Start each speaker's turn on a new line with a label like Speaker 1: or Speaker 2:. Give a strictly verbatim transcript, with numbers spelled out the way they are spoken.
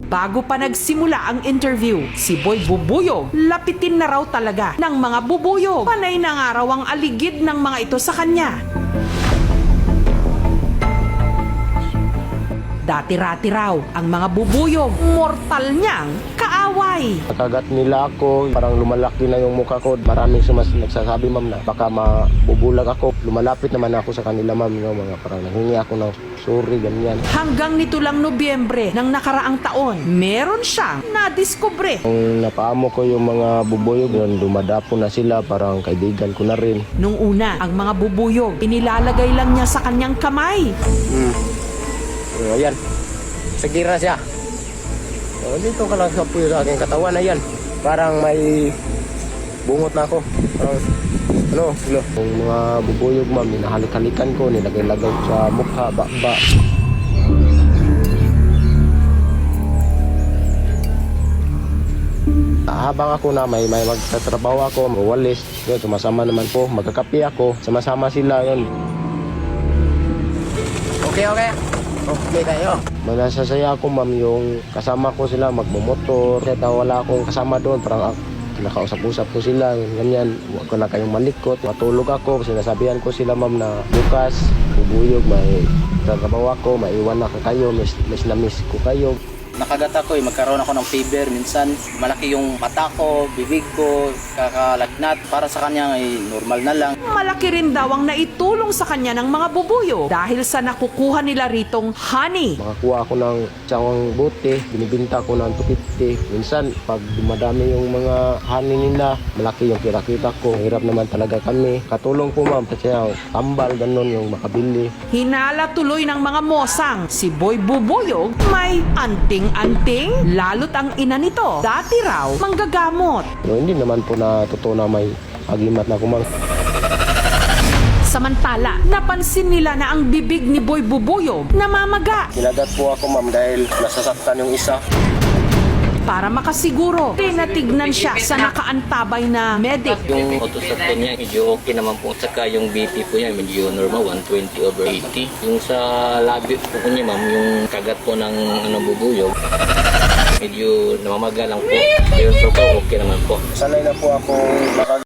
Speaker 1: Bago pa nagsimula ang interview, si Boy Bubuyog lapitin na raw talaga ng mga bubuyog. Panay na nga raw ang aligid ng mga ito sa kanya. Dati-rati raw ang mga bubuyog, mortal niyang kaaway.
Speaker 2: Nakagat nila ako, parang lumalaki na yung mukha ko. Maraming sumas nagsasabi, ma'am, na baka mabubulag ako. Lumalapit naman ako sa kanila, ma'am, yung mga parang nanghingi ako ng sorry, ganyan.
Speaker 1: Hanggang nito lang Nobyembre ng nakaraang taon, meron siyang nadiskubre.
Speaker 2: Kung napaamo ko yung mga bubuyog, yun, dumadapo na sila, parang kaibigan ko na rin.
Speaker 1: Nung una, ang mga bubuyog, inilalagay lang niya sa kanyang kamay.
Speaker 2: Hmm. So, ayan, sagira siya. So, dito ka lang sa puyo sa aking katawan na yan. Parang may bungot na ako. Parang, ano, ano. Yung mga bubuyog, ma'am, hinahalik-halikan ko, nilagay-lagay sa mukha, ba-ba. Habang ako na may, may magtatrabaho ako, mawalis, yun, sumasama naman po, magkakapi ako, sama-sama sila, yun. Okay, okay. Okay kayo. Manasasaya ako, ma'am, yung kasama ko sila magmumotor. Kahit wala akong kasama doon, parang nakausap-usap ko sila, ganyan. Huwag ko na kayong malikot. Matulog ako, sinasabihan ko sila, ma'am, na bukas, bubuyog, may trabaho ako, maiwan na kayo, miss, miss na miss ko kayo.
Speaker 3: Nakagat ako eh, magkaroon ako ng fever. Minsan malaki yung mata ko, bibig ko, kakalagnat. Para sa kanya ay normal na lang.
Speaker 1: Malaki rin daw ang naitulong sa kanya ng mga bubuyog dahil sa nakukuha nila ritong honey.
Speaker 2: Makakuha ako ng tsawang bote, binibinta ko ng two fifty. Minsan, pag dumadami yung mga honey nila, malaki yung kita-kita ko. Hirap naman talaga kami. Katulong po, ma'am, kasi tambal, ganun yung makabili.
Speaker 1: Hinala tuloy ng mga mosang si Boy Bubuyog may anting-anting, lalo't ang ina nito dati raw manggagamot.
Speaker 2: No, hindi naman po na totoo na may agimat na kumang.
Speaker 1: Samantala, napansin nila na ang bibig ni Boy Bubuyog namamaga.
Speaker 2: Kinagat po ako, ma'am, dahil nasasaktan yung isa.
Speaker 1: Para makasiguro, tinatignan siya sa nakaantabay na medic.
Speaker 4: Yung autosakto niya, medyo okay naman po. Saka yung B P po niya, medyo normal, one twenty over eighty. Yung sa labi po niya, ma'am, yung kagat po ng ano, bubuyog, medyo namamaga lang po. Pero so po, okay naman po.
Speaker 2: Sanay na po ako